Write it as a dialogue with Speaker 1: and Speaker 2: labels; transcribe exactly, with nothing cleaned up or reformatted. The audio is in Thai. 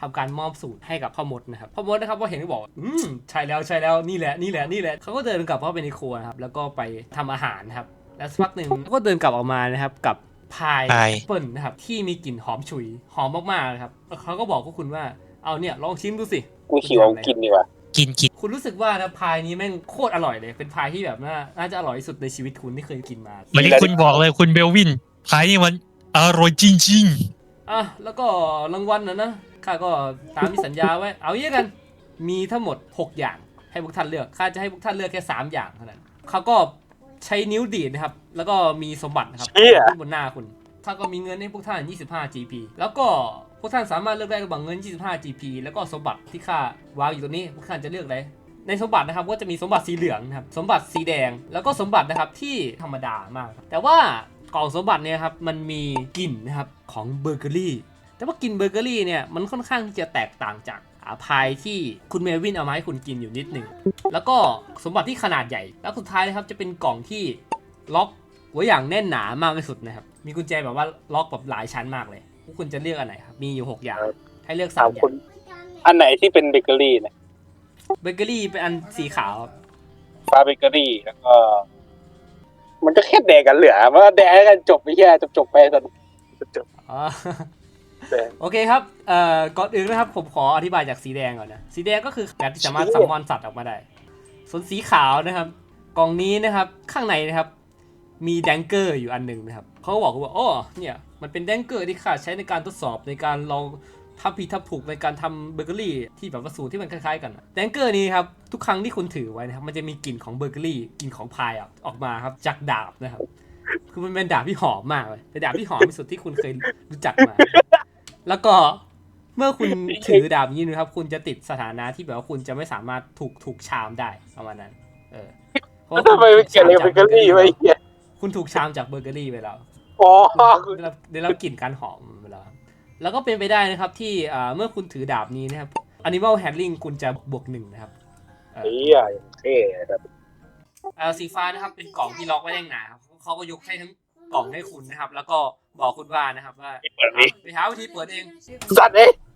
Speaker 1: ทำการมอบสูตรให้กับพ่อมดนะครับพ่อมดนะครับว่าเห็นก็บอกอืมใช่แล้วใช่แล้วนี่แหละนี่แหละนี่แหละเขาก็เดินกลับเข้าไปในครัวนะครับแล้วก็ไปทำอาหารนะครับแล้วสักพักหนึ่งก็เดินกลับออกมานะครับกับพายแอปเปิลนะครับที่มีกลิ่นหอมฉุยหอมมากๆนะครับเขาก็บอกพวกคุณว่าเอาเนี่ยลองชิมดูสิ
Speaker 2: กูหิวกินดีกว่า
Speaker 3: กินกิน
Speaker 1: คุณรู้สึกว่านะพายนี้แม่งโคตรอร่อยเลยเป็นพายที่แบบน่าน่าจะอร่อยที่สุดในชีวิตคุณที่เคยกินมา
Speaker 3: วันนี้คุณบอกเลยคุณเบลวินพายนี่มันอร่อยจริง
Speaker 1: อ่ะแล้วก็รางวัลนะนะข้าก็ตามที่สัญญาไว้เอาอย่างกันมีทั้งหมดหกอย่างให้พวกท่านเลือกข้าจะให้พวกท่านเลือกแค่สามอย่างเท่านั้นเขาก็ใช้นิ้วดีดนะครับแล้วก็มีสมบัตินะครับขึ้นบนหน้าคุณถ้าก็มีเงินให้พวกท่านยี่สิบห้า จี พี แล้วก็พวกท่านสามารถเลือกได้ระหว่างเงินยี่สิบห้า จี พี แล้วก็สมบัติที่ข้าวางอยู่ตรงนี้พวกท่านจะเลือกอะไรในสมบัตินะครับก็จะมีสมบัติสีเหลืองนะครับสมบัติสีแดงแล้วก็สมบัตินะครับที่ธรรมดามากแต่ว่ากล่องสมบัติเนี่ยครับมันมีกลิ่นนะครับของเบเกอรี่แต่ว่ากลิ่นเบเกอรี่เนี่ยมันค่อนข้างที่จะแตกต่างจากอาพายที่คุณเมวินเอามาให้คุณกินอยู่นิดหนึ่งแล้วก็สมบัติที่ขนาดใหญ่แล้วสุดท้ายนะครับจะเป็นกล่องที่ล็อกไว้อย่างแน่นหนามากที่สุดนะครับมีกุญแจแบบว่าล็อกแบบหลายชั้นมากเลยพวกคุณจะเลือกอันไหนครับมีอยู่หกอย่างให้เลือกสามอย่าง
Speaker 2: อันไหนที่เป็นเบเกอรี่เนี่ย
Speaker 1: เบเกอรี่เป็นอันสีขาว
Speaker 2: ฟ้าเบเกอรี่แล้วก็มันก็แค่แดกกันเหลือว่าแดกกันจบไปแค่จบจบไปตอนจบ
Speaker 1: อ๋อโอเคครับเอ่อก่อนอื่นนะครับผมขออธิบายจากสีแดงก่อนนะสีแดงก็คือแบบที่สามารถซัมมอนสัตว์ออกมาได้ส่วนสีขาวนะครับกล่องนี้นะครับข้างในนะครับมีแดงเกอร์อยู่อันหนึ่งนะครับเขาบอกว่าอ๋อเนี่ยมันเป็นแดงเกอร์ที่ข้าใช้ในการทดสอบในการลองทับผิดทับถูกในการทำเบเกอรี่ที่แบบว่าสูตรที่มันคล้ายๆกันแดงเกอร์นี้ครับทุกครั้งที่คุณถือไว้นะครับมันจะมีกลิ่นของเบเกอรี่กลิ่นของพายออกมาครับจากดาบนะครับคือมันเป็นดาบที่หอมมากเลยเป็นดาบที่หอมที่สุดที่คุณเคยรู้จักมาแล้วก็เมื่อคุณถือดาบนี้นะครับคุณจะติดสถานะที่แบบว่าคุณจะไม่สามารถถูกถูกชามได้ประมาณนั้นเออ
Speaker 2: เพราะทำไมไม่เกี่ยวกับเบเกอรี่ไว้เหี้ย
Speaker 1: คุณถูกชามจากเบเกอรี่ไปแล้ว
Speaker 2: อ๋อ
Speaker 1: ได้รับกลิ่นการหอมไปแล้วแล้วก็เป็นไปได้นะครับที่เมื่อคุณถือดาบนี้นะครับ Animal Handling คุณจะบวกหนึ่งนะครับ
Speaker 2: เฮ้ยเท่แบบ
Speaker 1: สีฟ้านะครับเป็นกล่องที่ล็อกไว้แน่นหนาครับเขาก็ยกให้ทั้งกล่องให้คุณนะครับแล้วก็บอกคุณว่านะครับว่าไปหาวิธีเปิดเอง
Speaker 2: สัตว์เอง